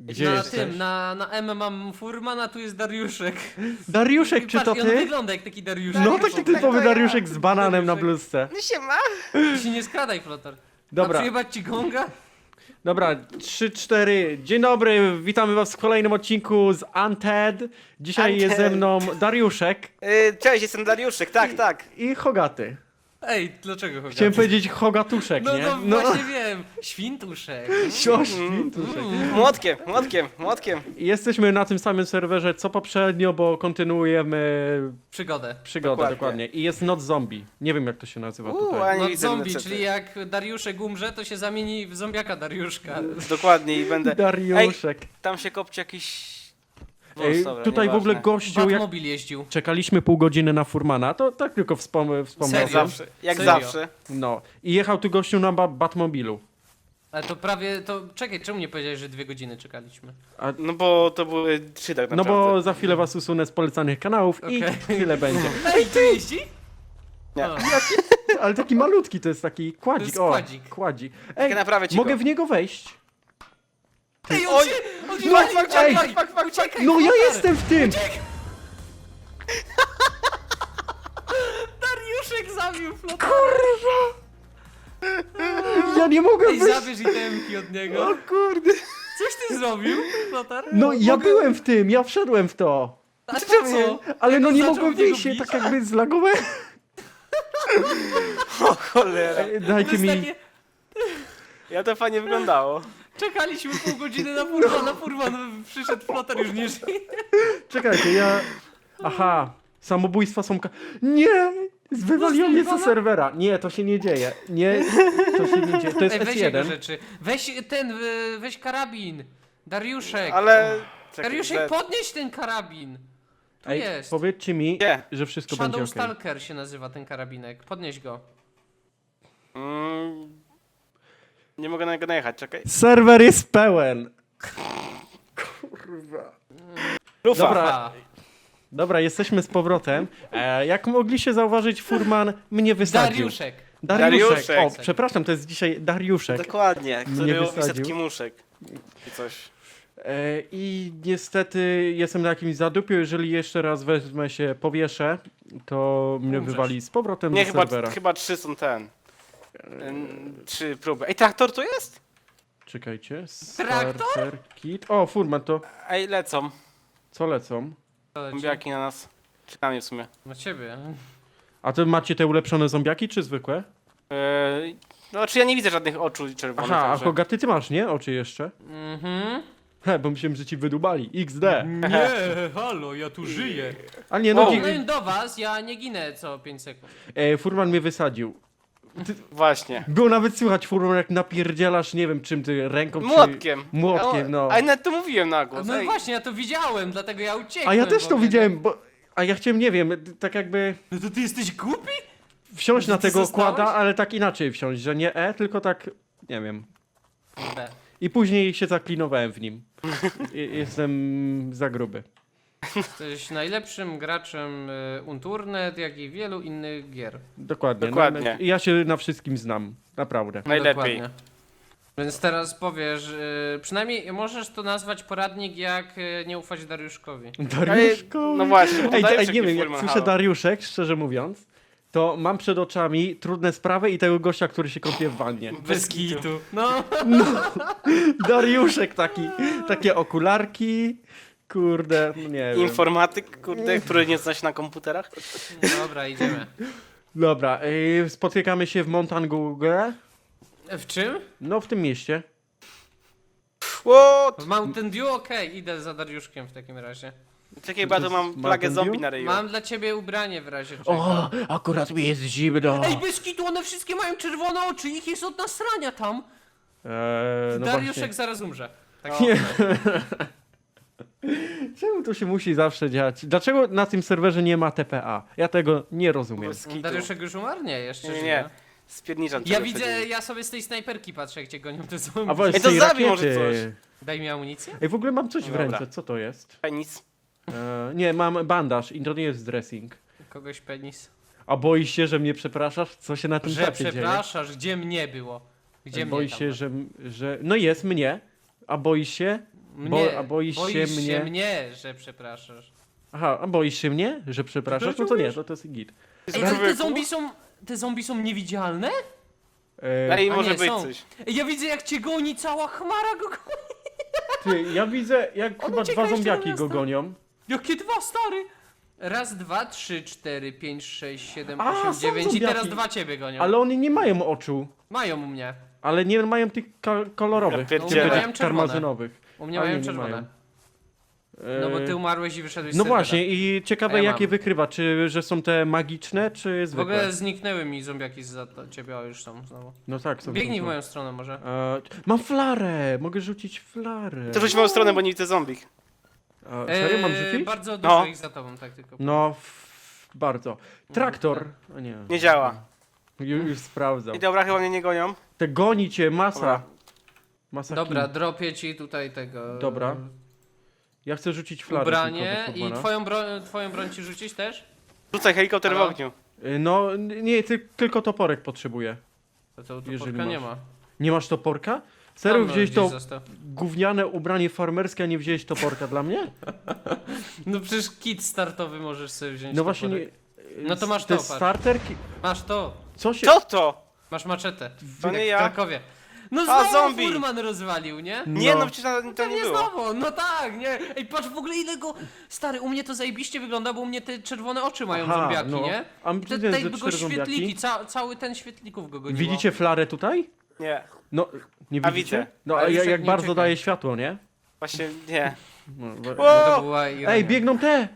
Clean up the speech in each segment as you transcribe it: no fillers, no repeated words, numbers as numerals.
Gdzie na jesteś? tym, na M mam Furmana, tu jest Dariuszek. Dariuszek, czy Patrz, to i on ty? wygląda jak taki Dariuszek. No Dariuszek, taki tak, typowy to ja. Dariuszek z bananem na Dariuszek. bluzce. No się ma. Ty się nie skradaj, Flotar. Dobra. A przyjebać ci gonga? Dobra, 3-4. Dzień dobry, witamy was w kolejnym odcinku z Unted. Dzisiaj jest ze mną Dariuszek Cześć, jestem Dariuszek, tak. i Hogaty. Ej, dlaczego chodzi? Chciałem powiedzieć Hogatuszek, No, nie? no właśnie wiem. Świntuszek. Świntuszek. Młotkiem. Jesteśmy na tym samym serwerze co poprzednio, bo kontynuujemy Przygodę. przygodę, dokładnie. Dokładnie. I jest Not Zombie. Nie wiem jak to się nazywa tutaj. a nie No widzę zombie, niestety. czyli jak Dariuszek umrze, to się zamieni w zombiaka Dariuszka. Dokładnie i będę... Dariuszek. Tam się kopci jakiś... Ej, dobra, tutaj w ogóle nieważne. gościu, jak Batmobil jeździł. czekaliśmy pół godziny na Furmana, to tak tylko wspomnę. Jak Serio? zawsze, jak Serio? zawsze. No. I jechał tu gościu na Batmobilu. Ale to prawie, to czekaj, czemu nie powiedziałeś, że 2 godziny czekaliśmy? No bo to były 3 tak No naprawdę. bo za chwilę was usunę z polecanych kanałów i Okej. chwilę będzie. Ej, tu jeździ? Nie. O, Ale taki malutki, to jest taki kładzik. jest O, kładzik. kładzik. Czekaj, Ej, naprawię ci mogę go. w niego wejść? Ej, Oj! on się No, wali, ej, uciekaj, uciekaj, No ja Flotar. jestem w tym! Dariuszek zabił Flotar. Ja nie mogę Ej, wyjść! zabierz itemki od niego. O kurde. Coś ty zrobił, Flotar? No ja byłem w tym, ja wszedłem w to. A to co? Ale no nie zaczął mogłem w niego wyjść, się bić? tak jakby zlagowałem. O cholera. Ej, To Dajcie jest mi... takie... Ja to fajnie wyglądało. Czekaliśmy pół godziny na Furman przyszedł Flotar, już nie żyje. Czekajcie, ja... Aha, samobójstwa są... Nie! Wywaliło mnie ze Zostań serwera. Nie, to się nie dzieje. Nie, to się nie dzieje. To jest Ej, weź jego S1. rzeczy. Weź ten, weź karabin. Dariuszek. Ale... Czekaj, Dariuszek, podnieś ten karabin. Tu Ej, jest. powiedzcie mi, Gdzie? że wszystko będzie Shadow okej. Stalker się nazywa ten karabinek. Podnieś go. Nie mogę na niego najechać, czekaj. Serwer jest pełen. Lufa. Dobra. Dobra, jesteśmy z powrotem. Jak mogliście zauważyć, Furman mnie wysadził. Dariuszek. Dariuszek. O, przepraszam, to jest dzisiaj Dariuszek. Dokładnie, Mnie który łowi wysadził. setki muszek. I coś. I niestety jestem na jakimś zadupiu. Jeżeli jeszcze raz wezmę się, powieszę, to mnie Umrzesz. wywali z powrotem Nie, do serwera. chyba 3 są ten. 3 próby. Ej, traktor tu jest? Czekajcie. Traktor? Starter kit. O, Furman, to Ej, lecą. co lecą? Zombiaki na nas. Czy na mnie w sumie. Na ciebie. A to macie te ulepszone zombiaki, czy zwykłe? No, czy ja nie widzę żadnych oczu czerwonych. Aha, a także- Hogaty ty masz, nie? Oczy jeszcze? Mhm. He, bo myślałem, że ci wydubali. XD. Nie, halo, ja tu żyję. Ale nie, no, O. No i do was, ja nie ginę co 5 sekund. Furman mnie wysadził. Właśnie. Było nawet słychać, Furman, jak napierdzielasz, nie wiem czym ty, ręką Młotkiem. czy... Młotkiem, no. A nawet to mówiłem na głos. No Ej. właśnie, ja to widziałem, dlatego ja uciekłem. A ja też w to ogóle. widziałem, bo... A ja chciałem, nie wiem, tak jakby No to ty jesteś głupi? wsiąść Że na ty tego zostałeś? kłada, ale tak inaczej wsiąść, że nie tylko tak, nie wiem. B. I później się zaklinowałem w nim. Jestem za gruby. Jesteś najlepszym graczem Unturnet, jak i wielu innych gier. Dokładnie. Dokładnie. No, ja się na wszystkim znam, naprawdę. Najlepiej. Dokładnie. Więc teraz powiesz, przynajmniej możesz to nazwać poradnik, jak nie ufać Dariuszkowi. Dariuszko. No właśnie, bo Ej, Dariuszek nie mi wiem, jak Furman, słyszę halo. Dariuszek, szczerze mówiąc, to mam przed oczami trudne sprawy i tego gościa, który się kąpie w wannie. Bez kitu. No, Dariuszek taki, takie okularki, kurde, no nie wiem. Informatyk, kurde, który nie zna się na komputerach. dobra, idziemy. Dobra, spotykamy się w Montangu, W czym? no w tym mieście. What? W Mountain Dew? Okej, idę za Dariuszkiem w takim razie. Czekaj, bo ja tu mam Mountain plagę Dew? zombie na ryju. Mam dla ciebie ubranie w razie czego. O, akurat mi jest zimno. Ej, bez kitu, one wszystkie mają czerwone oczy, ich jest od nasrania tam. No Dariuszek właśnie. zaraz umrze. Tak No. się Czemu to się musi zawsze dziać? Dlaczego na tym serwerze nie ma TPA? Ja tego nie rozumiem. Bez kitu. Dariuszek już umarł? Nie, jeszcze Nie, żyje. nie. Spierniczam Ja ciebie widzę, przed ja sobie z tej snajperki patrzę, jak cię gonią te zombie. A właśnie, Ej, to z tej zabij może rakiety. Daj mi amunicję? Ej, w ogóle mam coś w Dobra. ręce, co to jest? nim. Nic. Nie, mam bandaż i to nie jest dressing. Kogoś penis. A boisz się, że mnie przepraszasz? Co się na tym Że czacie dzieje? przepraszasz, gdzie mnie było? Gdzie Boisz mnie się, tam że... No jest mnie. A boisz się? Mnie. a boisz się mnie? mnie, że przepraszasz. Aha, a boisz się mnie, że przepraszasz? No to nie, to jest git. Ej, ale te zombie są niewidzialne? Ej, A może nie, być są. coś. Ej, ja widzę jak cię goni, cała chmara go goni. Ty, ja widzę jak On chyba ucieka dwa jeszcze zombiaki do go miasta. gonią. Jakie dwa, stary? Raz, dwa, trzy, cztery, pięć, sześć, siedem, A, osiem, są dziewięć i zombiaki. teraz dwa ciebie gonią. Ale one nie mają oczu. Mają u mnie. Ale nie mają tych kolorowych, Ja tych pierdzielę. Mają czerwone. karmazynowych. U mnie A mają nie, nie czerwone. mają. No bo Eee, ty umarłeś i wyszedłeś z No serwera. właśnie i ciekawe A ja jakie mam. wykrywa, czy że są te magiczne, czy W zwykłe? ogóle zniknęły mi zombiaki za ciebie, o już są znowu. No tak, są. Biegnij są. w moją stronę może. Mam flarę, mogę rzucić flarę. To rzuć w moją stronę, bo nie widzę zombie. Serio mam rzucić? Bardzo dużo No. ich za tobą, tak tylko. No, bardzo. Traktor. A nie. Nie działa. Już sprawdzam. I dobra, chyba mnie nie gonią. Te goni cię, masa. Dobra. Masa Dobra, kin. dropię ci tutaj tego. Dobra. Ja chcę rzucić flarę. Ubranie tylko do i Furmana. twoją broń ci rzucić też? Rzucaj helikopter w Halo? ogniu. No, nie, tylko toporek potrzebuję. To Jeżeli porka nie masz. ma. Nie masz toporka? Serio Tam, wziąłeś gdzieś to został. gówniane ubranie farmerskie, a nie wziąłeś toporka dla mnie? No przecież kit startowy możesz sobie wziąć. No właśnie nie... toporek. No to masz te to, patrz. starterki... Masz to. Co się... Co to? Masz maczetę. To nie Jak w ja. Krakowie. No A, znowu zombie! Furman rozwalił, nie? Nie, no przecież to nie Pewnie było. znowu, no tak, nie? Ej, patrz w ogóle ile go... Stary, u mnie to zajebiście wygląda, bo u mnie te czerwone oczy mają Aha, zombiaki, no. nie? A I tutaj tutaj ze go 4 świetliki, zombiaki. cały ten świetlików go goniło. Widzicie flarę tutaj? Nie, No, nie A widzicie? widzę. No, Ale a już jak jak nie bardzo uciekaj. daje światło, nie? właśnie nie. No, To była ironia. Ej, biegną te!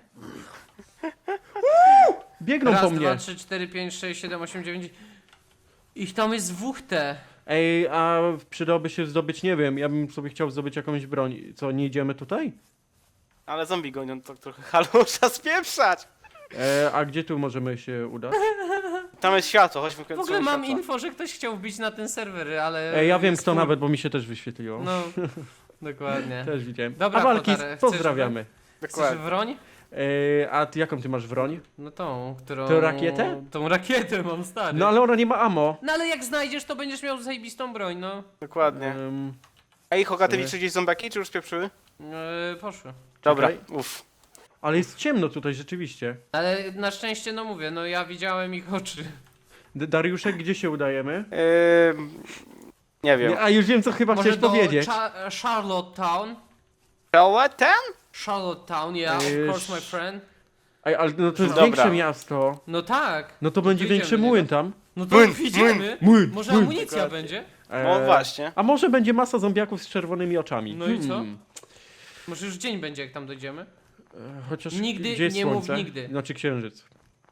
Uuu! Biegną Raz, po dwa, mnie. 3, 4, 5, 6, 7, 8, 9... Ich tam jest dwóch te. Ej, a przydałoby się zdobyć, nie wiem, ja bym sobie chciał zdobyć jakąś broń. Co, nie idziemy tutaj? Ale zombie gonią, to trochę halo, trzeba spieprzać. A gdzie tu możemy się udać? Tam jest światło, chodźmy W ogóle mam światła. info, że ktoś chciał wbić na ten serwer, ale... Ej, ja wiem jest kto full. nawet, bo mi się też wyświetliło. No, dokładnie. Też widziałem. Dobra, a Walkis, Kotarek, chcesz pozdrawiamy. Chcesz Dokładnie. wroń? A ty jaką ty masz broń? No tą, którą... Tę rakietę? Tą rakietę mam, stary. No ale ona nie ma ammo. No ale jak znajdziesz, to będziesz miał zajebistą broń, no. Dokładnie. Ym, Ej, Hogaty, sobie. widzisz gdzieś zombiaki, czy już spieprzyły? Poszły. Dobra, Czekaj. uff. ale jest ciemno tutaj rzeczywiście. Ale na szczęście, no mówię, no ja widziałem ich oczy. Dariuszek, gdzie się udajemy? Nie wiem. Nie, a już wiem co chyba Może chcesz do powiedzieć. Charlottetown? Charlottetown? Charlottetown, yeah, Ej, of course, my friend. Ej, ale no to jest Dobra. większe miasto. No tak. No to będzie Wyjdziemy większy do niego. młyn tam. No to Młyn, idziemy. Młyn, Może młyn. amunicja Dokładnie. będzie? No właśnie. A może będzie masa zombiaków z czerwonymi oczami. No i co? Może już dzień będzie, jak tam dojdziemy? Chociaż Nigdy gdzie jest nie mów słońce? nigdy. Znaczy księżyc.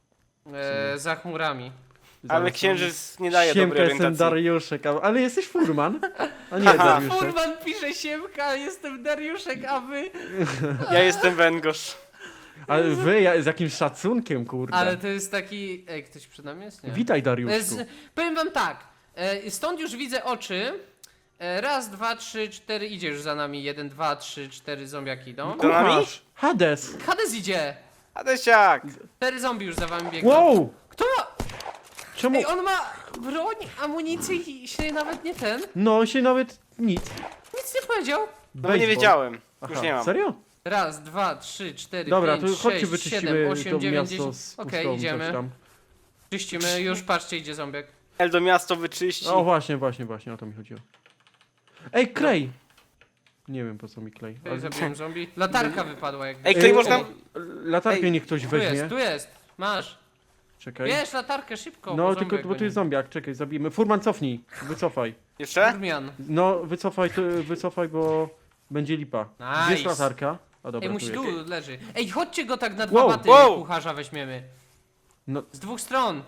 Za chmurami. Ale Zaraz księżyc nie daje Siemka, dobrej jestem orientacji. Dariuszek, ale jesteś furman? A nie Haha. Dariuszek. Furman pisze Siemka, jestem Dariuszek, a wy? Ja jestem węgorz. Ale wy z jakimś szacunkiem, kurde. Ale to jest taki... Ej, ktoś przed nami jest? Nie. Witaj Dariuszku. Powiem wam tak, stąd już widzę oczy. Raz, dwa, trzy, cztery, idzie już za nami. 1, 2, 3, 4 zombiaki idą. Za nami? Kucharz! Hades! Hades idzie! Adesiak! 4 zombie już za wami biegną. Wow! Kto ma... Czemu? Ej, on ma broń, amunicję i się nawet nie ten. No on się nawet nic. Nic nie powiedział. No bo nie Baseball. wiedziałem. Aha, Już nie mam. serio? Raz, dwa, trzy, cztery, Dobra, pięć, to chodźcie 6, wyczyścimy 7, 8, to 9, miasto 10. z Okej, pustą, idziemy. coś tam. Czyścimy, już patrzcie, idzie zombiak. El do miasto wyczyści. O właśnie, o to mi chodziło. Ej, klej! Nie wiem po co mi klej. Ej, zabiłem zombie. Latarka wypadła jakby. Ej, klej można... Latarkę Ej, niech ktoś weźmie. Tu jest, masz. Czekaj. Bierz latarkę szybko. No bo tylko, zombiak bo tu goni. jest zombiak, czekaj, zabijmy. Furman, cofnij, wycofaj. Jeszcze? Furmian. No, wycofaj, bo będzie lipa. Gdzie jest Nice. latarka? A dobra, Ej, musi tu tu jest. leży. Ej, chodźcie go tak na dwa Wow, baty wow. kucharza weźmiemy. No, Z dwóch stron.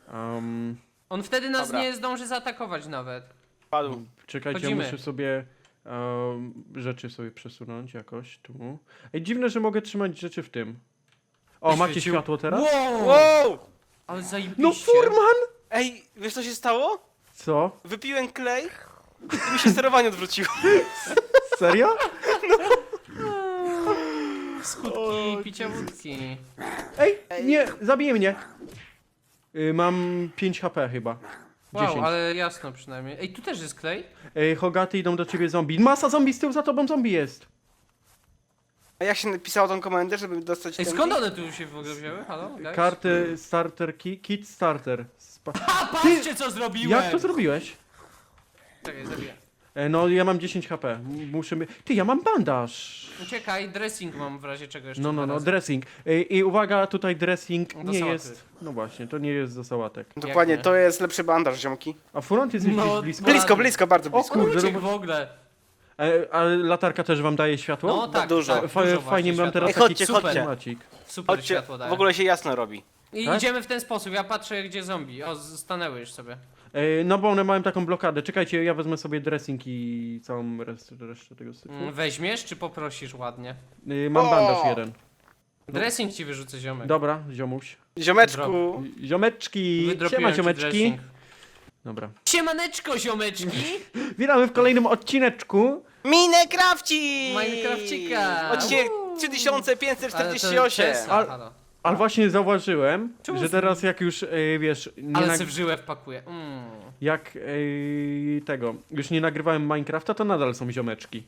On wtedy nas Dobra. nie zdąży zaatakować nawet. Padł. czekajcie, Chodzimy. ja muszę sobie rzeczy sobie przesunąć jakoś tu. Ej, dziwne, że mogę trzymać rzeczy w tym. O, macie Wyświecił. światło teraz? Wow! Wow! Ale zajebiście. No Furman! Ej, wiesz co się stało? Co? Wypiłem klej i mi się sterowanie odwróciło. Serio? Skutki picia wódki. Ej, nie, zabije mnie. Mam 5 HP chyba. Wow, 10. ale jasno przynajmniej. Ej, tu też jest klej? Ej, Hogaty, idą do ciebie zombie. Masa zombie z tyłu, za tobą zombie jest. A jak się napisało tą komendę, żeby dostać Ej, ten skąd kij? one tu się w ogóle wzięły? Halo? Guys? Karty starter kit starter. A, patrzcie co zrobiłem! Jak to zrobiłeś? Czekaj, zabiję. No ja mam 10 HP. Muszę mi... Ty, ja mam bandaż. Uciekaj, dressing mam w razie czego jeszcze. No, dwa razy. dressing. I uwaga, tutaj dressing Do nie sałaty. jest... No właśnie, to nie jest do sałatek. Dokładnie, nie? to jest lepszy bandaż, ziomki. A front jest No, gdzieś blisko. Blady. Blisko, blisko, bardzo O blisko. kurde, Uciekł no w ogóle. A latarka też wam daje światło? No tak, dużo. tak, Fa- dużo fajnie właśnie mam teraz światła. Ej, taki chodźcie, super chodźcie. macik. Super Chodźcie, światło daje. w ogóle się jasno robi. I Tak? idziemy w ten sposób, ja patrzę gdzie zombie. O, stanęły już sobie. No bo one mają taką blokadę. Czekajcie, ja wezmę sobie dressing i całą resztę tego syfu. Weźmiesz czy poprosisz ładnie? Mam O! bandaż jeden. Dressing ci wyrzucę ziomek. Dobra, ziomuś. Ziomeczku, Ziomeczki! Wydropiłem Siema, ci ziomeczki! dressing. Dobra. Siemaneczko ziomeczki! Witamy w kolejnym odcineczku. Minecrafcik! Minecrafcika! Odcinek Uuu. Ale to 3548. Tesla, Al- halo. Ale właśnie zauważyłem, Czemu że teraz jak już, wiesz, nie Ale nag- se w żyłę wpakuję. jak tego, już nie nagrywałem Minecrafta, to nadal są ziomeczki.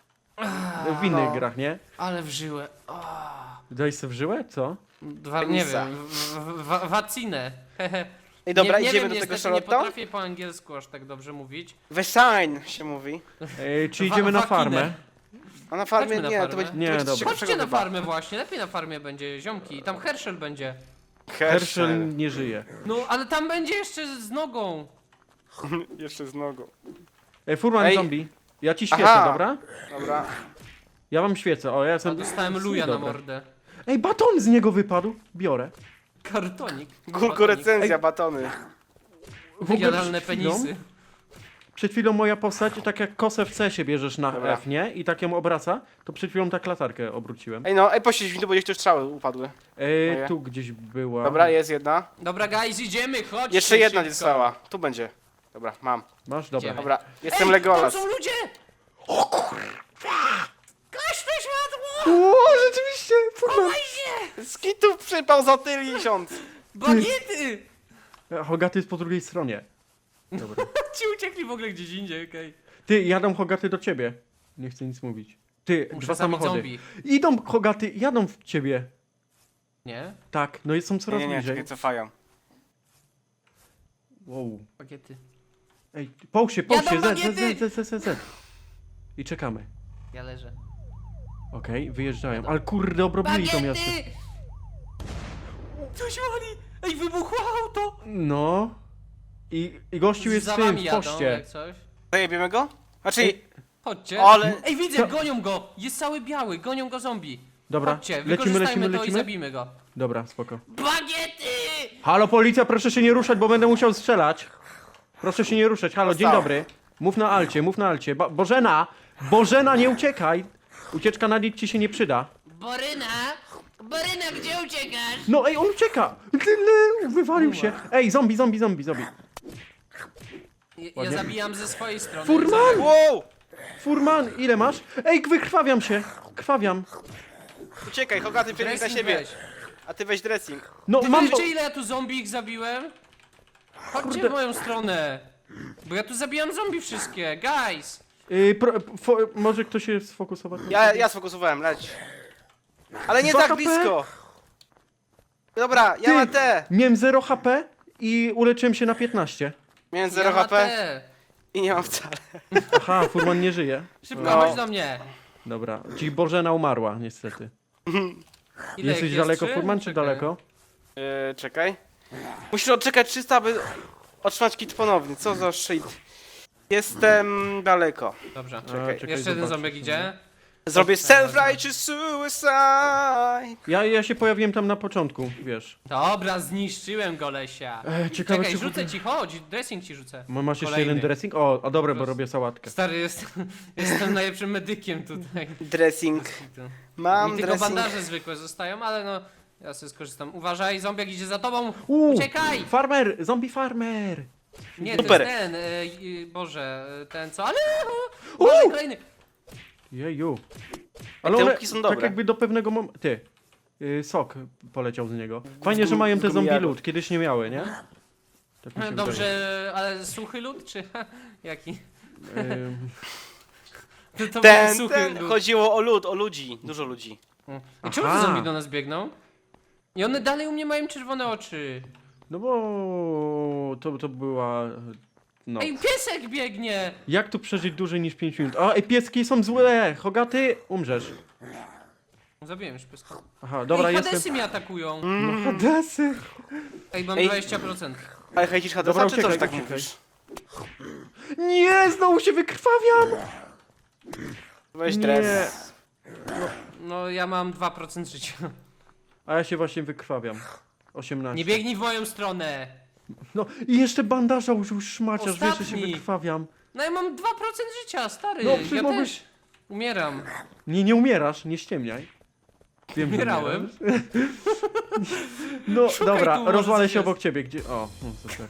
W innych no. grach, nie? Ale w żyłę. Daj sobie w żyłę? Co? Nie Penisa. wiem, wacinę. Ej, dobra, nie idziemy wiem, do tego niestety nie Charlotte? potrafię po angielsku aż tak dobrze mówić. Wesign się mówi. Czy idziemy na wakinę. farmę? A na farmie Chodźmy na nie, farmę. to będzie, Nie, to będzie dobra. ciekawszego Chodźcie na chyba. farmę właśnie, lepiej na farmie będzie, ziomki. Tam Herschel będzie. Herschel nie żyje. No, ale tam będzie jeszcze z nogą. Jeszcze z nogą. Furman Ej. zombie. Ja ci świecę, Aha. dobra? Dobra. Ja wam świecę, o ja A jestem... dostałem luja na Dobra. mordę. Ej, baton z niego wypadł. Biorę. Kartonik. Górko recenzja, batony. W ogóle Jadalne przed chwilą- penisy. Przed chwilą moja postać, tak jak kosę w C bierzesz na Dobra. F, nie? I tak ją obraca, to przed chwilą tak latarkę obróciłem. Ej no, poświeć mi tu, bo gdzieś tu strzały upadły. Moje. Tu gdzieś była. Dobra, jest jedna. Dobra, guys, idziemy, chodźcie Jeszcze jedna szybko. nie została. Tu będzie. Dobra, mam. Masz? Dobra. Idziemy. Dobra, jestem Ej, Legolas. tam są ludzie! O kurwa! Gaś to światło! O, rzeczywiście! Furman! Chowaj się! Z kitów przypał za tysiąc. Bagiety! Hogaty jest po drugiej stronie. Dobra. Ci uciekli w ogóle gdzieś indziej, okej. Ty, jadą Hogaty do ciebie. Nie chcę nic mówić. Ty, Muszę dwa zabić samochody. zombie. Idą Hogaty, jadą w ciebie. Nie? Tak, no i są coraz Nie, bliżej. czekaj, cofają. Wow. Bagiety. Ej, połóż się, Jadą Z. bagiety! I czekamy. Ja leżę. Okej, wyjeżdżają. Ale kurde, obrobili to miasto. Bagiety! Coś wali! Ej, wybuchło auto! No. I gościu jest Za w tym, wami w jadą, poście. jak coś. Zajebiemy go? Znaczy, Ej. Chodźcie. Ale- Ej, widzę, To- gonią go! Jest cały biały, gonią go zombie. Dobra, Chodźcie, lecimy, wykorzystajmy to i lecimy. zabijmy go. Dobra, spoko. Bagiety! Halo, policja, proszę się nie ruszać, bo będę musiał strzelać. Proszę się nie ruszać. Halo, dzień Zostało. dobry. Mów na alcie, mów na alcie. Bożena! Bożena, nie uciekaj! Ucieczka na nic ci się nie przyda. Boryna! Boryna, gdzie uciekasz? No ej, on ucieka! Wywalił się. Ej, zombie. Ja Ładnie. zabijam ze swojej strony. Furman! wow! Furman, ile masz? Ej, wykrwawiam się. Krwawiam. Uciekaj, Hogaty przebieg na Dressing siebie. weź. A ty weź dressing. No, Ty mam... wiecie ile ja tu zombie ich zabiłem? Chodźcie Kurde. w moją stronę. Bo ja tu zabijam zombie wszystkie, guys! Może ktoś się sfokusować? Ja sfokusowałem, leć. Ale nie 2 tak HP? blisko. Dobra, ja Ty. mam te. Miałem 0 HP i uleczyłem się na 15. Miałem 0 Ja ma HP te. i nie mam wcale. Aha, Furman nie żyje. Szybko, No. chodź do mnie. Dobra, czyli Bożena umarła, niestety. Ile Jesteś ich jest? daleko, 3? Furman, czy Czekaj. daleko? Czekaj. Musisz odczekać 300, aby otrzymać kit ponownie. Co za shit. Jestem daleko. Dobrze. Czekaj. czekaj, Jeszcze jeden zobaczę zombiek sobie. idzie. Zrobię self-righteous suicide. Ja się pojawiłem tam na początku, wiesz. Dobra, zniszczyłem golesia. Ciekawe, Czekaj, czy... rzucę ci, chodź, dressing ci rzucę. Masz jeszcze Kolejny. jeden dressing? O, a dobre, bo Proszę. robię sałatkę. Stary, jestem najlepszym medykiem tutaj. Dressing. Mam Mi tylko dressing. bandaże zwykłe zostają, ale no, ja sobie skorzystam. Uważaj, zombiak idzie za tobą. Uuu, Uciekaj! Farmer! Zombie farmer! Nie, Super. to jest ten, Boże, ten co, ale... Uważaj, kolejny. Jeju. te Ale one, łupki są tak dobre. jakby do pewnego momentu... Ty. Sok poleciał z niego. Fajnie, że mają te zombie gumijaru. loot. Kiedyś nie miały, nie? Tak mi się Dobrze, ale suchy lód, czy jaki? wydaje. To był suchy Ten, lód. chodziło o ludzi, dużo ludzi. I czemu te Aha. zombie do nas biegną? I one dalej u mnie mają czerwone oczy. No bo to była... No. Ej, piesek biegnie! Jak tu przeżyć dłużej niż 5 minut? A, ej, pieski są złe! Hogaty, umrzesz. Zabiłem już pieska. Aha, dobra, Ej, jestem... Hadesy mnie atakują. No, Hadesy! Ej, mam Ej. 20%. Ale hejcisz Hadesa, Dobra, czy to, że uciekaj, tak uciekaj. mówisz? Nie, znowu się wykrwawiam! Weź Nie. dres. No, ja mam 2% życia. A ja się właśnie wykrwawiam. 18. Nie biegnij w moją stronę! No i jeszcze bandaża użył szmaciarz, wiesz, że się Ostatni. wykrwawiam. No ja mam 2% życia, stary. No, przecież ja mogłeś- też umieram. Nie umierasz, nie ściemniaj. Wiem, że Umierałem. umierasz. No Szukaj dobra, tu, może rozwalę coś się jest. obok ciebie, gdzie... O, no super.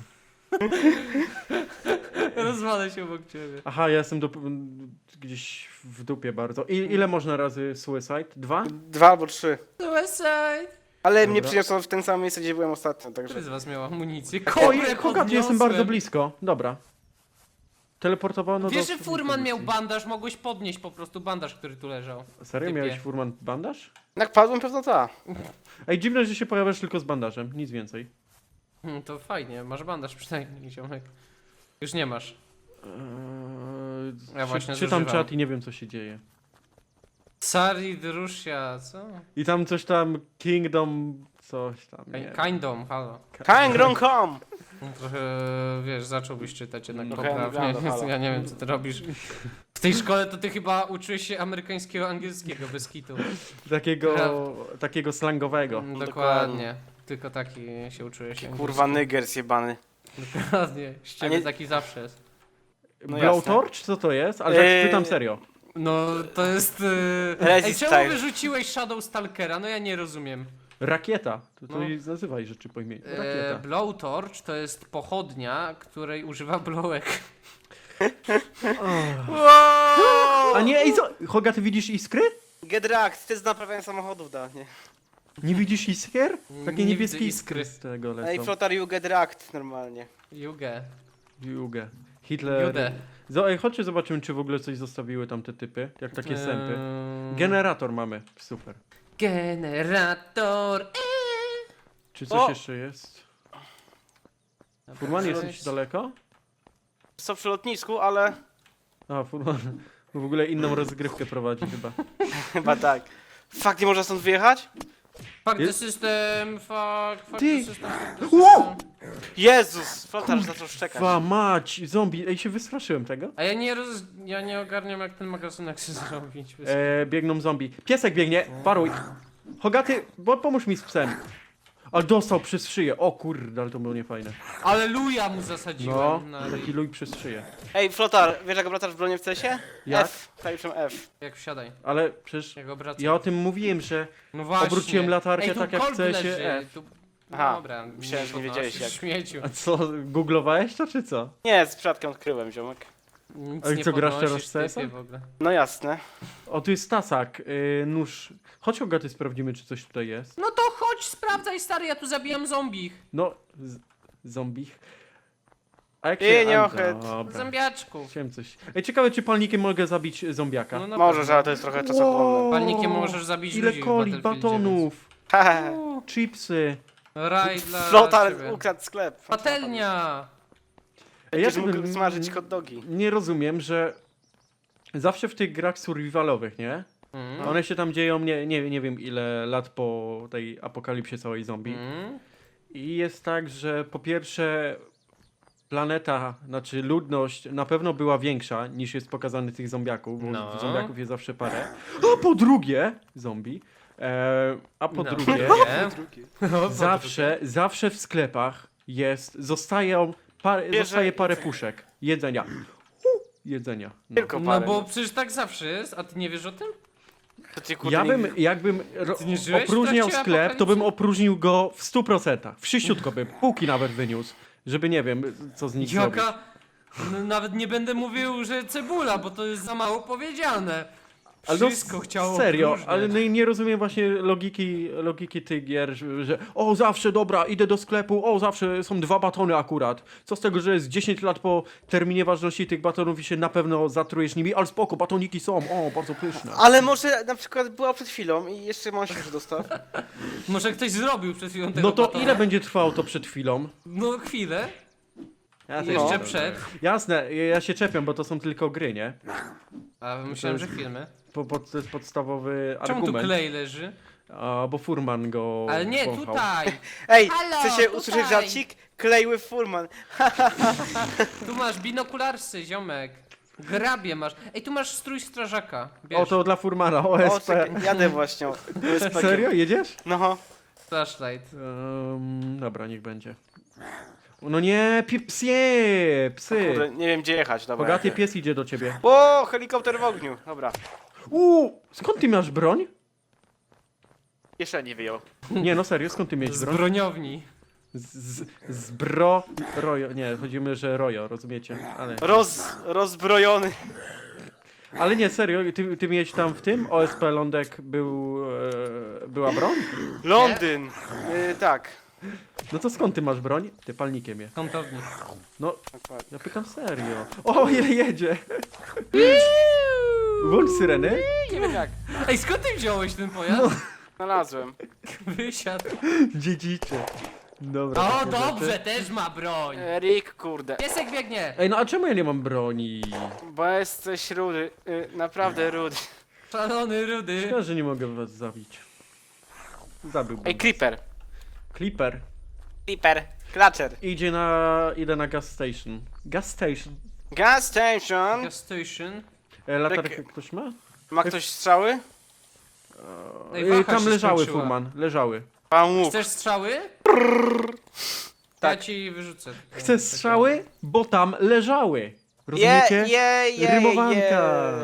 Rozwalę się obok ciebie. Aha, ja jestem gdzieś w dupie bardzo. Ile można razy suicide? 2? 2 albo 3. Suicide! Ale mnie Dobra. przyniosło w ten sam miejsce, gdzie byłem ostatnio, także... Który z was miał amunicję? Oj, Kobrę Hogaty, jestem bardzo blisko. Dobra. Teleportowano Wiesz, do... że Furman miał bandaż, mogłeś podnieść po prostu bandaż, który tu leżał. Serio? typie. Miałeś Furman bandaż? Jak padłem, pewno ta. Ej, dziwne, że się pojawiasz tylko z bandażem, nic więcej. To fajnie, masz bandaż przynajmniej, ziomek. Już nie masz. Ja właśnie czytam zużywam. czat i nie wiem, co się dzieje. Sari Drusia, co? I tam coś tam, Kingdom, coś tam, nie. Kingdom, halo. Kangrong Home! Trochę, wiesz, zacząłbyś czytać jednak No, poprawnie, wygląda, więc halo. ja nie wiem, co ty robisz. W tej szkole to ty chyba uczyłeś się amerykańskiego, angielskiego, bez kitu. Takiego slangowego. Dokładnie. Tylko taki się uczyłeś. Kurwa, nyger zjebany. Dokładnie. Z ciebie nie- taki zawsze jest. No Blowtorch? Co to jest? Ale tak pytam serio. No, to jest... Resist Ej, czemu style. wyrzuciłeś Shadow Stalkera? No ja nie rozumiem. Rakieta. To No. jej nazywaj rzeczy po imieniu. Rakieta. Blowtorch to jest pochodnia, której używa Blowek. Wow! A nie, ej, co? Hoga, ty widzisz iskry? Get wrecked, ty z naprawiania samochodów da, nie? Nie widzisz iskier? Takie Nie niebieskie widzę iskry iskry. z tego Ej, lecą. Flotar, you get wrecked normalnie. Jugę. Jugę. Hitler. Judę. Ej, chodźcie zobaczymy, czy w ogóle coś zostawiły tam te typy. Jak takie sępy. Eee, Generator mamy. Super. Generator. Czy coś O! jeszcze jest? Furman, jesteś daleko? Co przy lotnisku, ale A, Furman w ogóle inną rozgrywkę prowadzi chyba. chyba tak. Fakt, nie można stąd wyjechać? Fuck the Jest- system, fuck Ty! the system, fuck the Wow! system. Jezus! Flotar już zaczął szczekać. Kwa mać, zombie. Ej, się wystraszyłem tego. A ja nie ogarniam jak ten magazynek się zrobić. Biegną zombie. Piesek biegnie, paruj. Hogaty, pomóż mi z psem. Ale dostał przez szyję. O kurde, ale to było niefajne. Aleluja mu zasadziłem. No, na taki luj przez szyję. Ej, Flotar, wiesz jak obracasz w bronie w cesie? Jak? F, klawiszem F. Jak wsiadaj, Ale przecież jak obracam. ja o tym mówiłem, że No właśnie. obróciłem latarkę Ej, tu tak jak Colt chce się leży, F. Tu... Aha, Dobra, myślałem, że nie wiedziałeś jak. Śmieciu. A co, googlowałeś to czy co? Nie, z przypadkiem odkryłem, ziomek. Nic Ale nie co, grasz podnosisz, teraz w typie, CS-a? w ogóle. No jasne. O, tu jest tasak, nóż. Chodź Hogaty, sprawdzimy, czy coś tutaj jest. No to chodź, sprawdzaj stary, ja tu zabijam zombich. No, zombich. A jak Ty, się... nie a, ochyt. dobra. Zombiaczków. Chciałem coś. Ej, ciekawe, czy palnikiem mogę zabić zombiaka. No na Możesz, pewno. ale to jest trochę czasochłonne. Palnikiem możesz zabić Ile ludzi w coli, Battlefieldzie, batonów, Hehe. chipsy. więc- Raj dla Flotar ciebie. ukradł sklep. Patelnia! Ej, Będziesz mógł tego smażyć hot dogi. nie rozumiem, że zawsze w tych grach survivalowych, nie? Mm. One się tam dzieją nie wiem ile lat po tej apokalipsie całej zombie. Mm. I jest tak, że po pierwsze planeta, znaczy ludność na pewno była większa niż jest pokazany tych zombiaków, bo No. zombiaków jest zawsze parę. A po drugie, zombie. A po No. drugie, Nie? zawsze w sklepach zostaje parę puszek jedzenia. Jedzenia. No. Tylko No parę. bo przecież tak zawsze jest, a ty nie wiesz o tym? To ty, kurde, Ja nie- bym, jakbym Ty nie żyłeś w opróżniał trakcie sklep, to bym apokalipsy? opróżnił go w 100%. Wszyściutko bym, półki nawet wyniósł, żeby nie wiem, co z nich zrobić. Jaka... No, nawet nie będę mówił, że cebula, bo to jest za mało powiedziane. Ale no, Wszystko chciało serio, próżniać. ale nie rozumiem właśnie logiki tych gier, że o zawsze dobra, idę do sklepu, o zawsze są 2 batony akurat. Co z tego, że jest 10 lat po terminie ważności tych batonów i się na pewno zatrujesz nimi, ale spoko, batoniki są, o bardzo pyszne. Ale może na przykład była przed chwilą i jeszcze mam się dostaw. Może ktoś zrobił przed chwilą tego No to batona? ile będzie trwało to przed chwilą? No chwilę. Ja I też jeszcze nie przed. wiem. Jasne, ja się czepiam, bo to są tylko gry, nie? A myślałem, że filmy. To jest podstawowy Czemu tu argument. klej leży? A, bo Furman go Ale nie, wąchał. tutaj! Ej, Halo, chcecie tutaj. usłyszeć żarcik? Klej with Furman. Tu masz binokularsy, ziomek. Grabie masz. Ej, tu masz strój strażaka. Bierz. O, to dla Furmana, O, OSP. czekaj, jadę właśnie. Serio, jedziesz? No. Flashlight. Dobra, niech będzie. No nie, psy! Kurde, nie wiem gdzie jechać, dobra. Bogaty pies idzie do ciebie. O, helikopter w ogniu. Dobra. Skąd ty masz broń? Jeszcze nie wyjął. Nie, no serio, skąd ty miałeś Z broń? broniowni. Rojo, nie, chodzimy, że rojo, rozumiecie? Ale, Rozbrojony. ale nie, serio, ty miałeś tam w tym? OSP Lądek była broń? Londyn. Tak. No to skąd ty masz broń? Ty palnikiem je. Kątowni. No, Dokładnie. ja pytam serio. O, jedzie! Włącz syreny. Nie wiem jak. Ej, skąd ty wziąłeś ten pojazd? Znalazłem. Wysiadł. Dziedzicze. Dobra. O, takie dobrze, rzeczy. też ma broń. Rick, kurde. Piesek biegnie. Ej, no a czemu ja nie mam broni? Bo jesteś rudy. Naprawdę rudy. Szalony rudy. Szkoda, że nie mogę was zabić. Zabiłbym. Ej, Creeper. Clipper. Creeper. Clutcher. Idę na gas station. Gas station. Gas station. Gas station. Latarkę ktoś ma? Ma ktoś strzały? Ej, waha Tam się leżały, skończyła. Furman. Leżały. Pan łuk. Chcesz strzały? Ja Tak. ci wyrzucę. Chcę strzały, bo tam leżały. Rozumiecie? Rymowanka.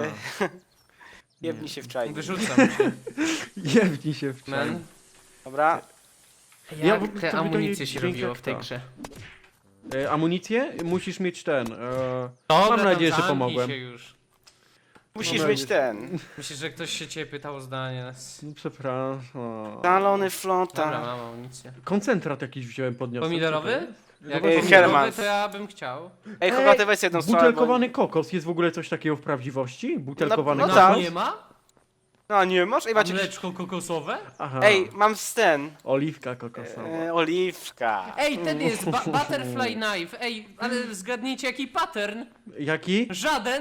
Jebnij się w czaj. Wyrzucam cię. Jebnij się w czas. Man. Dobra. Jak to te wydaje amunicje się dźwięk robiło jak w tej ta. grze? Amunicję? Musisz mieć ten. Dobra, mam nadzieję, że tam zamknij pomogłem. się już. Musisz Dobra, mieć już. ten. Myślę, że ktoś się ciebie pytał o zdanie. No, przepraszam. Zalony Dobra, flota. mam amunicję. Koncentrat jakiś wziąłem, podniosłem. Pomidorowy? Jak Ej, pomidorowy, Hermans. to ja bym chciał. Ej, Hogaty, weź jedną strzałę. Butelkowany kokos. Jest w ogóle coś takiego w prawdziwości? Butelkowany No No, kokos? tak. nie ma? No nie masz? Ej, A macie... mleczko kokosowe? Aha. Ej, mam ten. Oliwka kokosowa. Oliwka. Ej, ten jest butterfly knife. Ej, ale zgadnijcie jaki pattern? Jaki? Żaden.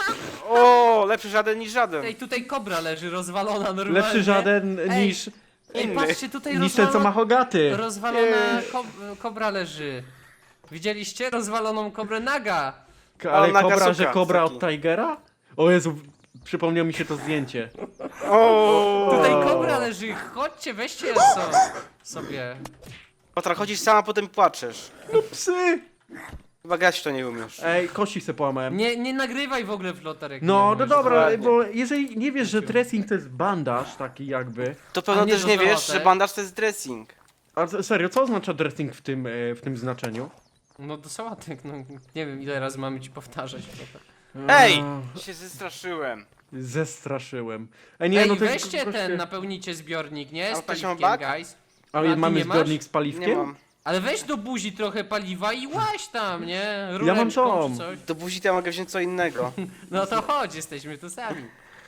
O, lepszy żaden niż żaden. Ej, tutaj kobra leży rozwalona normalnie. Lepszy żaden Ej, niż Ej, inny. patrzcie, tutaj ten, co ma Hogaty. rozwalona kobra leży. Widzieliście? Rozwaloną kobrę naga. Ale Naga kobra, suka że kobra taki. od Tigera? O Jezu, przypomniał mi się to zdjęcie. O. Tutaj kobra leży. Chodźcie, weźcie sobie. Potra, chodzisz sama, potem płaczesz. Psy! Chyba grać w to nie umiesz. Ej, kości se połamałem. Nie nagrywaj w ogóle flotarek. No, no dobra, dokładnie. bo jeżeli nie wiesz, że dressing to jest bandaż taki jakby. To pewno A nie też do nie wiesz, załatek? że bandaż to jest dressing. A serio, co oznacza dressing w tym znaczeniu? No do sałatek, no nie wiem ile razy mamy ci powtarzać. Ej! Się zestraszyłem. Zestraszyłem. Ej, nie, Ej, no to jest weźcie goście- ten, napełnicie zbiornik, nie? A Z ktoś ma paliwkiem, bak? guys. A ty mamy nie masz? zbiornik z Nie paliwkiem? mam. Ale weź do buzi trochę paliwa i łaź tam, nie? Ja mam Rureczką tą. czy coś. Do buzi to ja mogę wziąć co innego. No to chodź, jesteśmy tu sami.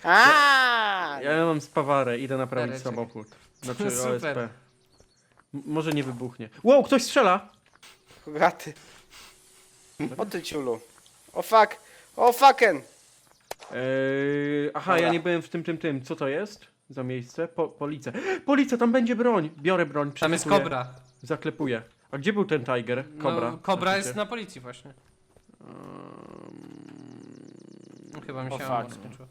A! Ja mam spawarę, idę naprawić Dareczek. samochód. Znaczy Super. OSP. Może nie wybuchnie. Wow, ktoś strzela! Hogaty. O ty ciulu. O fuck. O fucken. Aha, Dobra. ja nie byłem w tym. Co to jest za miejsce? Policja. Policja, tam będzie broń! Biorę broń, Tam jest przeszukuję. kobra. Zaklepuję. A gdzie był ten Tiger? Kobra. No, kobra Znaczy jest się. na policji właśnie. No, chyba mi O, się fuck. ammo skończyło.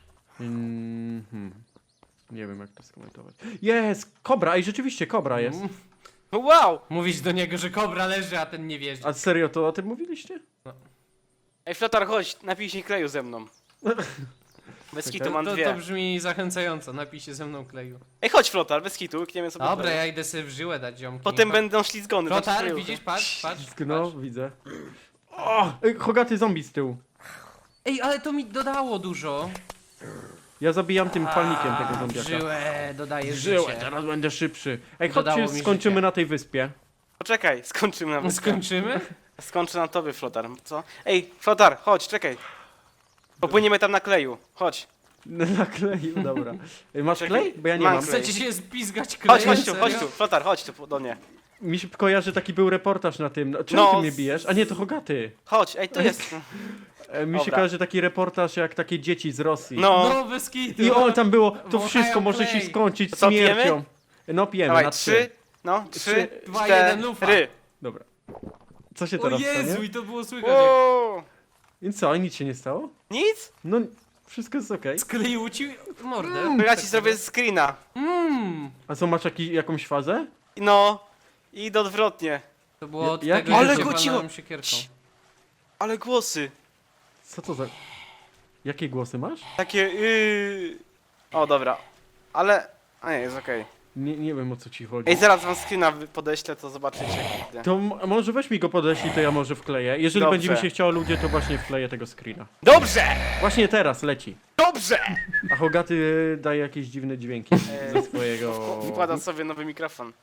Nie wiem jak to skomentować. Jest! Kobra! Ej, rzeczywiście kobra jest. Wow! Mówić do niego, że kobra leży, a ten nie wierzy. A serio, to o tym mówiliście? Ej, Flotar, chodź, napij się kleju ze mną. Bez kitu mam To dwie. brzmi zachęcająco, napij się ze mną kleju. Ej, chodź Flotar, bez kitu, kniemy sobie Dobra, kleju. ja idę sobie w żyłę dać ziomki. Potem będą ślizgony. znaczy Flotar, kleju. widzisz? Patrz. No, widzę. O! Ej, Hogaty zombie z tyłu. Ej, ale to mi dodało dużo. Ja zabijam tym palnikiem tego zombiaka. Żyłę, dodaję Żyłę, życie. teraz będę szybszy. Ej, Dodało chodźcie, mi skończymy życie. na tej wyspie. Poczekaj, skończymy na wyspie. Skończymy? Skończę na tobie, Flotar, co? Ej, Flotar, chodź, czekaj. Popłyniemy tam na kleju, chodź. Na kleju, dobra. Ej, masz Czekaj, klej? Bo ja nie mam mam. klej. Chcecie się spizgać Chodź, klejem? chodź tu, serio? Flotar, chodź tu do mnie. Mi się kojarzy, taki był reportaż na tym. No, czemu No, ty mnie bijesz? A nie, to Hogaty. Chodź, ej, tu jest. Mi się Dobra. kojarzy taki reportaż jak takie dzieci z Rosji. No, No, bez kitu. I on tam było, to Wąchają wszystko może się klej. skończyć To co, pijemy? śmiercią. No pijemy, dawaj, na 3, no, 3, 2, 1, lufa. 4. Dobra. Co się O teraz Jezu, stanie? i to było słychać jak Wow. I co, nic się nie stało? Nic? No, wszystko jest okej. skleił ci mordę. To ja ci zrobię screena. A co, masz jakąś fazę? No, i odwrotnie. To było od Jak- tego, Ale że się go cicho. walnąłem siekierką. Cii. Ale głosy. Co to za... Jakie głosy masz? Takie O, dobra. Ale... A nie, jest okej. Nie wiem, o co ci chodzi. Ej, zaraz wam screena podeślę, to zobaczycie. kurde. To może weź mi go podeślij, to ja może wkleję. Jeżeli Dobrze. będzie mi się chciało ludzie, to właśnie wkleję tego screena. Dobrze! Właśnie teraz leci. Dobrze! A Hogaty daje jakieś dziwne dźwięki ze swojego... Wkładam sobie nowy mikrofon.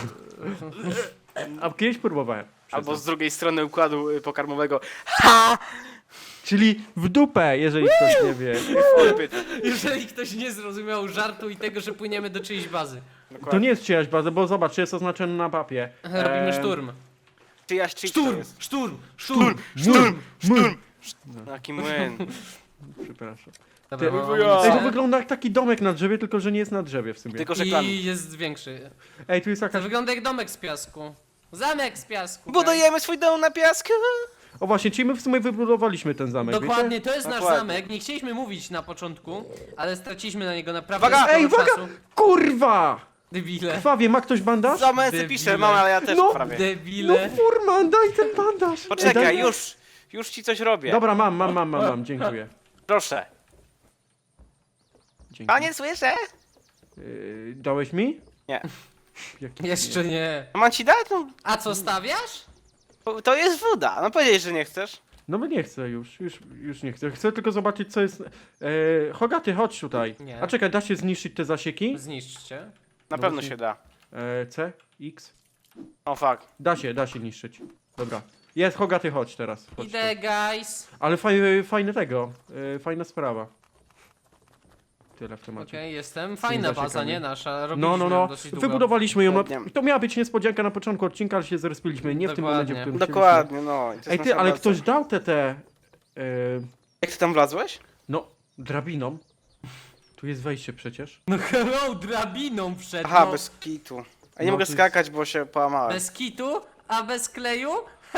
A kiedyś próbowałem. Albo Przyznam. z drugiej strony układu pokarmowego. Czyli w dupę, jeżeli ktoś nie wie. Odbyt. Jeżeli ktoś nie zrozumiał żartu i tego, że płyniemy do czyjejś bazy. To nie jest czyjaś baza, bo zobacz, jest oznaczone na mapie. Robimy szturm. Czyjaś cheat to Szturm, jest. szturm, szturm. Szturm! Taki młyn. Przepraszam. Dobra, Ty- mam Ej, Ej, to amunicję. wygląda jak taki domek na drzewie, tylko że nie jest na drzewie w sumie. Tylko szeklan. I jest większy. Ej, tu jest To jakaś... wygląda jak domek z piasku. Zamek z piasku. Budujemy swój dom na piasku. O właśnie, czyli my w sumie wybudowaliśmy ten zamek, Dokładnie, wiecie? to jest nasz Dokładnie. zamek. Nie chcieliśmy mówić na początku, ale straciliśmy na niego naprawdę Uwaga! sporo Ej, uwaga! czasu. Kurwa! Debile. Krwawie, ma ktoś bandaż? Za męce Debile. pisze, mama, ale ja też No, prawie. No Debile. furman, daj ten bandaż! Ej, Poczekaj, daj- już ci coś robię. Dobra, mam, dziękuję. Proszę. Dzięki. Panie, słyszę? Dałeś mi? Nie. Jaki- Jeszcze nie. A mam ci dać? No, A co, stawiasz? to jest woda. No powiedziałeś, że nie chcesz. No bo nie chcę już nie chcę. Chcę tylko zobaczyć co jest... Hogaty, chodź tutaj. Nie. A czekaj, da się zniszczyć te zasieki? Zniszczcie. Na No pewno właśnie. się da. C, X. O fuck. Da się niszczyć. Dobra. Jest, Hogaty, chodź teraz. Chodź tu. Idę, guys. Ale fajne tego, fajna sprawa. Tyle w temacie. Okej, jestem. Fajna baza, zasiekami. nie nasza. Robiliśmy No. ją dosyć długo. Wybudowaliśmy ją. No, Dokładnie. to miała być niespodzianka na początku odcinka, ale się zrespiliśmy. Nie w tym Dokładnie. momencie, w którym chcieliśmy. Dokładnie, no. i to jest Ej ty, nasza ale baza. ktoś dał Jak ty tam wlazłeś? no, drabiną. Tu jest wejście przecież. No hello, drabiną przed. Aha, no. bez kitu. A nie No, mogę to jest- skakać, bo się połamałem. Bez kitu, a bez kleju?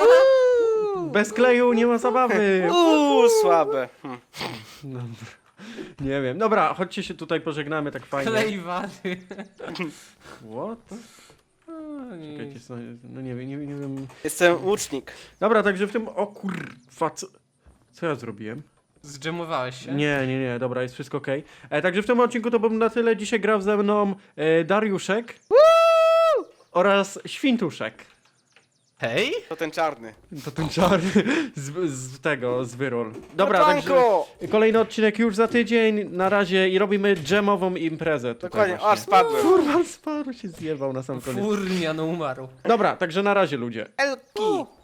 Bez kleju nie ma zabawy. Słabe. No, nie wiem. Dobra, chodźcie się tutaj pożegnamy tak fajnie. Klej wady. What? Czekajcie, no nie wiem. Jestem łucznik. Dobra, także w tym... O kurwa, co ja zrobiłem? Zdżemowałeś się? Nie, dobra, jest wszystko okej. Także w tym odcinku to bym na tyle. Dzisiaj grał ze mną Dariuszek oraz Świntuszek. Hej? To ten czarny. To ten czarny z wyrol. Dobra, także Ratunku! kolejny odcinek już za tydzień. Na razie i robimy dżemową imprezę. Tutaj Dokładnie, aż właśnie. spadłem. Kurwa, spadł się zjebał na sam koniec. Furnia, no umarł. Dobra, także na razie ludzie. Elki!